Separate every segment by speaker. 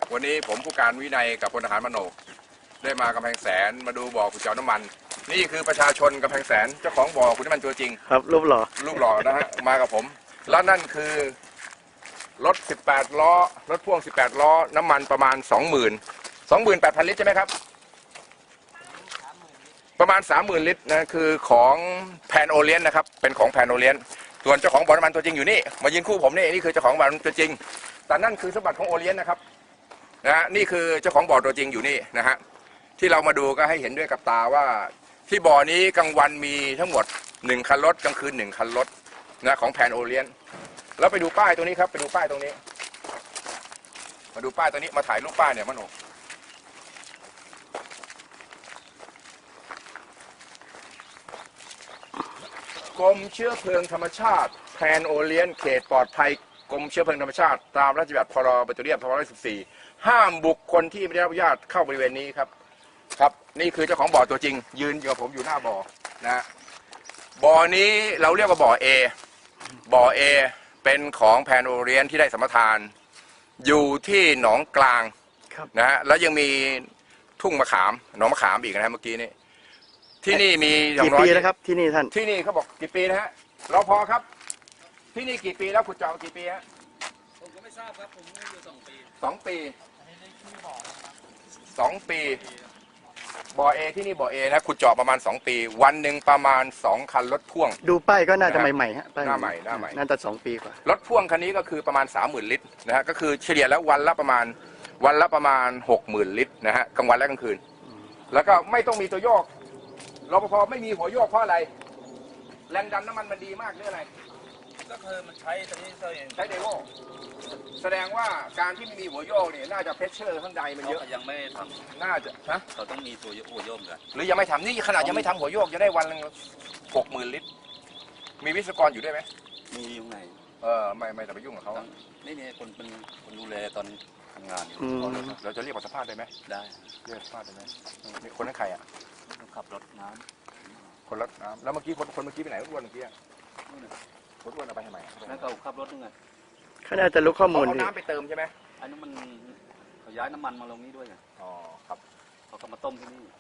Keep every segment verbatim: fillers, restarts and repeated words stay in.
Speaker 1: วันนี้ผมผู้การวินัยกับพลทหารมโนกได้มากำแพงแสนมาดูบ่อขุดเจาะน้ำมันนี่คือประชาชนกำแพงแสนเจ้าของบ่อขุดน้ำมันตัวจริง
Speaker 2: ครับรูปหล่อ
Speaker 1: รูปหล่อนะฮะมากับผมแล้วนั่นคือรถสิบแปดล้อรถพ่วงสิบแปดล้อน้ำมันประมาณ สองหมื่น สองหมื่นแปดพัน ลิตรใช่ไหมครับประมาณ สามหมื่น ลิตรนะคือของแพนโอเลียนนะครับเป็นของแพนโอเลียนส่วนเจ้าของบ่อน้ำมันตัวจริงอยู่นี่มายืนคู่ผมนี่นี่คือเจ้าของบ่อน้ำมันตัวจริงแต่นั่นคือสมบัติของโอเลียนนะครับนะฮะนี่คือเจ้าของบ่อตัวจริงอยู่นี่นะฮะที่เรามาดูก็ให้เห็นด้วยกับตาว่าที่บ่อนี้กลางวันมีทั้งหมดหนึ่งคันรถกลางคืนหนึ่งคันรถนะของแพนโอเลียนแล้วไปดูป้ายตรงนี้ครับไปดูป้ายตรงนี้มาดูป้ายตรงนี้มาถ่ายรูปป้ายเนี่ยมโนกรมเชื้อเพลิงธรรมชาติแพนโอเลียนเขตปลอดภัยกรมเชื้อเพลิงธรรมชาติตามราชบัญญัติพรบปิโตรเลียมสองพันห้าร้อยสิบสี่ห้ามบุคคลที่ไม่ได้รับอนุญาตเข้าบริเวณนี้ครับครับนี่คือเจ้าของบ่อตัวจริงยืนอยู่กับผมอยู่หน้าบ่อนะบ่อนี้เราเรียกว่าบ่อ A บ่อ A เป็นของแพนโอเลียนที่ได้สัมปทานอยู่ที่หนองกลางนะฮะแล้วยังมีทุ่งมะขามหนองมะขามอีกนะฮะเมื่อกี้นี้ที่นี่มี
Speaker 2: กี่ปีแล้วครับที่นี่ท่าน
Speaker 1: ที่นี่เขาบอกกี่ปีนะฮะรอพอครับที่นี่กี่ปีแล้วขุดเจาะกี่ปีฮะ
Speaker 3: ผมก็ไม่ทราบครับผมอยู่สองปี
Speaker 1: สองปีสองปีบ่อเอที่นี่บ่อเอนะขุดเจาะประมาณสองปีวันหนึ่งประมาณสองคันรถพ่วง
Speaker 2: ดูป้ายก็น่าจะใหม่ๆฮะ
Speaker 1: หน้าใหม่หน้าใหม่
Speaker 2: น่าจะสองปีกว่าร
Speaker 1: ถพ่วงคันนี้ก็คือประมาณสามหมื่นลิตรนะฮะก็คือเฉลี่ยแล้ววันละประมาณวันละประมาณหกหมื่นลิตรนะฮะกลางวันและกลางคืนแล้วก็ไม่ต้องมีตัวโยกรปภไม่มีหัวโยกเพราะอะไรแรงดันน้ำมันมันดีมากหรืออะไร
Speaker 3: ก็คือมันใช้ตอนนี้เราเอง
Speaker 1: ใช้เดโวแสดงว่าการที่ไม่มีหัวโยกเนี่ยน่าจะเพชเชอร์ข้างในมันเยอะ
Speaker 3: ยังไม่ท
Speaker 1: ำน่าจะฮะ
Speaker 3: เราต้องมีตัวหัวโยกกัน
Speaker 1: หรือยังไม่ทำนี่ขนาดยังไม่ทำหัวโยกจะได้วันละหกหมื่นลิตรมีวิศวกรอยู่ด้วยไหม
Speaker 3: มีอยู่ไหน
Speaker 1: เออไม่ไม่แต่ไปยุ่งกับเขา
Speaker 3: นี่นี่คนเป็นคนดูแลตอนทำงานอยู่
Speaker 1: เราจะเรียกว่าสภาพได้ไหม
Speaker 3: ได้
Speaker 1: เรียกสภาพได้ไหมนี่คนนั้นใครอ่ะ
Speaker 3: ขับรถน้ำ
Speaker 1: คนรถน้ำแล้วเมื่อกี้คนคนเมื่อกี้ไปไหนรถอ้วนเมื่อกี้รถอ้วนเอาไปทำไม
Speaker 3: นั่นเขาขับรถยังไง
Speaker 2: เขาน่าจะรู้ข้อมูล
Speaker 1: เอาน้ำไปเติมใช่ไหม
Speaker 3: อันนี้มันเขาย้ายน้ำมันมาลงนี้ด้วยไง
Speaker 1: อ๋อครับ
Speaker 3: เขาก็มาต้มที่นี่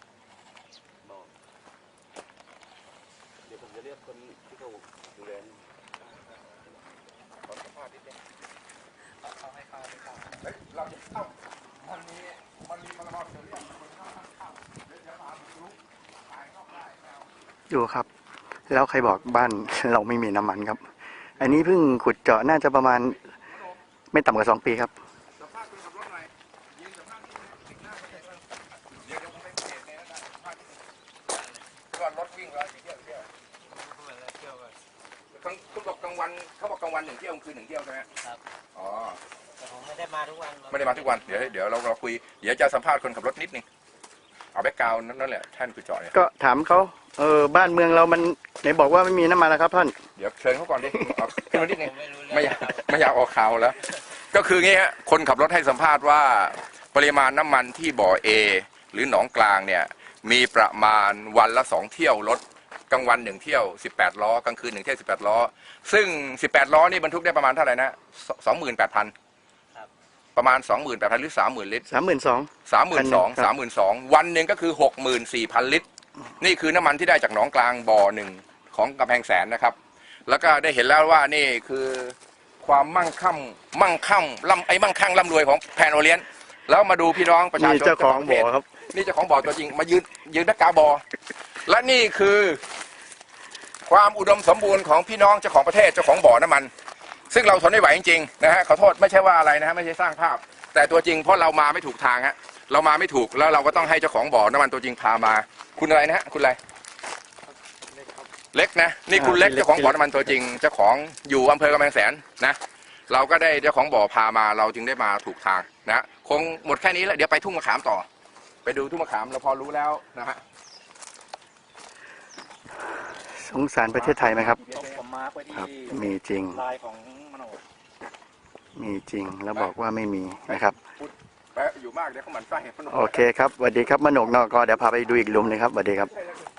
Speaker 3: เดี๋ยวผมจะเรียกคนที่เขาดูแล
Speaker 1: ขอสัมภาษณ์นิดนึงเขาให้เข้าไม่เข้าเฮ้ยเราจะเข้ามันมีมันมีมันเราจะเรียกคนเข้าเข้าเดี๋ยวจะมาลุกตายเข้าได้แล้ว
Speaker 2: อยู่ครับแล้วใครบอกบ้านเราไม่มีน้ำมันครับอันนี้เพิ่งขุดเจาะน่าจะประมาณไม่ต่ำกว่าสองปีครับ
Speaker 1: สัมภาษณ์คนขับรถหน่อยยืนสัมภาษณ์ที่ติดหน้าเขาเลยเดี๋ยวเดี๋ยวผมไปเปลี่ยนเลยนะสัมภาษณ์ก่อนรถวิ่งแล้วเที่ยวเที่ยวเที่ยวกันคุณบอกกลางวันเขาบอกกลางวันหนึ่งเที่ยวคืนหนึ่งเที่ยวใช่ไหม
Speaker 3: ครับ
Speaker 1: อ๋อ
Speaker 3: แต่ผมไม่ได้มาทุกวัน
Speaker 1: ไม่ได้มาทุกวันเดี๋ยวเดี๋ยวเราเราคุยเดี๋ยวจะสัมภาษณ์คนขับรถนิดนึงเอาแบ็กกราวน์นั่นแหละท่านขุดเจาะเนี่ย
Speaker 2: ก็ถามเขาเออบ้านเมืองเรามันไหนบอกว่าไม่มีน้ำมันแล้วครับท่าน
Speaker 1: เดี๋ยวเชิญเขาก่อนดิเอาขึ้นมานิดนึงไม่อยากไม่อยากออกข่าวแล้วก็คืองี้ฮะคนขับรถให้สัมภาษณ์ว่าปริมาณน้ำมันที่บ่อ A หรือหนองกลางเนี่ยมีประมาณวันละสองเที่ยวรถกลางวันหนึ่งเที่ยวสิบแปดล้อกลางคืนหนึ่งเที่ยวสิบแปดล้อซึ่งสิบแปดล้อนี่บรรทุกได้ประมาณเท่าไหร่นะสองหมื่นแปดพันประมาณสองหมื่นแปดพันหรือสามหมื่นลิตร
Speaker 2: สามหมื่นสอง
Speaker 1: สามหมื่นสองสามหมื่นสองวันหนึ่งก็คือหกหมื่นสี่พันลิตรนี่คือน้ำมันที่ได้จากหนองกลางบ่อหนึ่งของกำแพงแสนนะครับแล้วก็ได้เห็นแล้วว่านี่คือความมั่งคั่งมั่งคั่งร่ำไอ้มั่งคั่งร่ำรวยของแพนโอเลียนแล้วมาดูพี่น้องประชาชน
Speaker 2: เจ้าของบ่อครับ
Speaker 1: นี่เจ้าของบ่อตัวจริงมายืนยืนนักกาบ่อและนี่คือความอุดมสมบูรณ์ของพี่น้องเจ้าของประเทศเจ้าของบ่อน้ำมันซึ่งเราทนไม่ไหวจริงๆนะฮะขอโทษไม่ใช่ว่าอะไรนะฮะไม่ใช่สร้างภาพแต่ตัวจริงเพราะเรามาไม่ถูกทางฮะเรามาไม่ถูกแล้วเราก็ต้องให้เจ้าของบ่อน้ำมันตัวจริงพามาคุณอะไรนะฮะคุณอะไรเล็กนะนี่คุณเล็กเจ้าของบ่อน้ำมันตัวจริงเจ้าของอยู่อำเภอกำแพงแสนนะเราก็ได้เจ้าของบ่อพามาเราจึงได้มาถูกทางนะคงหมดแค่นี้แล้วเดี๋ยวไปทุ่งมะขามต่อไปดูทุ่งมะขามเราพอรู้แล้วนะฮะ
Speaker 2: สงสารประเทศไทยไหมครับครับมีจริงมีจริงแล้วบอกว่าไม่มีนะครับ
Speaker 1: อยู่มากเดี๋ยวเขาหมั่นไส้
Speaker 2: โอเคครับสวัสดีครับมโนกนอกก็เดี๋ยวพาไปดูอีกหลุมหนึ่งครับสวัสดีครับ